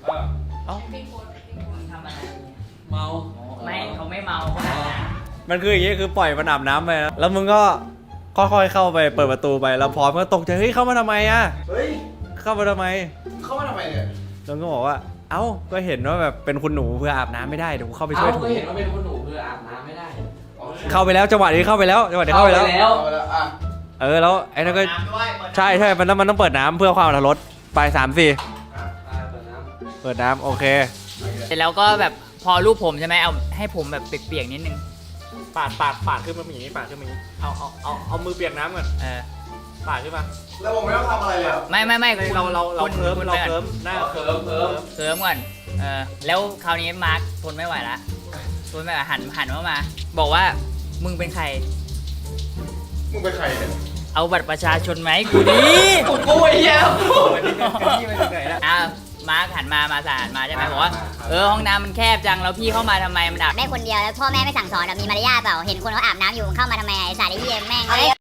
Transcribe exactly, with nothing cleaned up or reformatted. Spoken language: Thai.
เอ้าทำอะไรเมาไม่เขาไม่เมาเขาอาบน้มันคืออย่างงี้คือปล่อยมันอาบน้ำไปนะแล้วมึงก็ค่อยๆเข้าไปเปิดประตูไปแล้วพร้อมก็ตกใจเฮ้ยเข้ามาทำไมอะเฮ้ยเข้ามาทำไมเข้ามาทำไมเนี่ยแล้วก็บอกว่าเอ้าก็เห็นว่าแบบเป็นคุณหนูเพื่ออาบน้ำไม่ได้เดี๋ยวกูเข้าไปช่เอ้าวยถูก็เห็นว่าเป็นคนหนูคืออาบน้ำไม่ได้เข้าไปแล้วจังหวะนี้เข้าไปแล้วจังหวะนี้เข้าไปแล้วเข้าไปแล้วอ่ะเออแล้วไอ้นั่นก็ใช่ใช่มันต้องมันต้องเปิดน้ำเพื่อความอรรถรสไปสามสี่อ่ะอ่าเปิดน้เปิดน้ำโอเคำเสร็จแล้วก็แบบพอรูปผมใช่ไหมเอาให้ผมแบบเปียกๆนิดนึงปาดปาดปาดขึ้นมาอย่างนี้ปาดขึ้นมาอย่างนี้เอาเอาเอาเอามือเปียกน้ำก่อนเออปาดขึ้นมาแล้วผมไม่ต้องทำอะไรเลยเหรอไม่ไม่ไม่เราเราเราคุณเคิร์มคุณเราไปก่อนเคิร์มหน้าำเคิร์มเคิร์มเคิร์มก่อนเออแล้วคราวนี้มาร์คทนไม่ไหวละทนไม่ไหวหันหันมามา บอกว่ามึงเป็นใครมึงเป็นใครเนี่ยเอาบัตรประชาชนไหมาให้กูดิกูกูไอ้เหี้ยที่ไปถึงไหนแล้วอ่ะมาร์คหันมามาสานมาใช่ไหมบอกว่าเออห้องน้ำมันแคบจังแล้วพี่เข้ามาทำไมมันอาบแม่คนเดียวแล้วพ่อแม่ไม่สั่งสอนแบบมีมารยาทเปล่าเห็นคนเขาอาบน้ำอยู่มึงเข้ามาทำไมไอ้สายไอ้เหี้ยแม่ง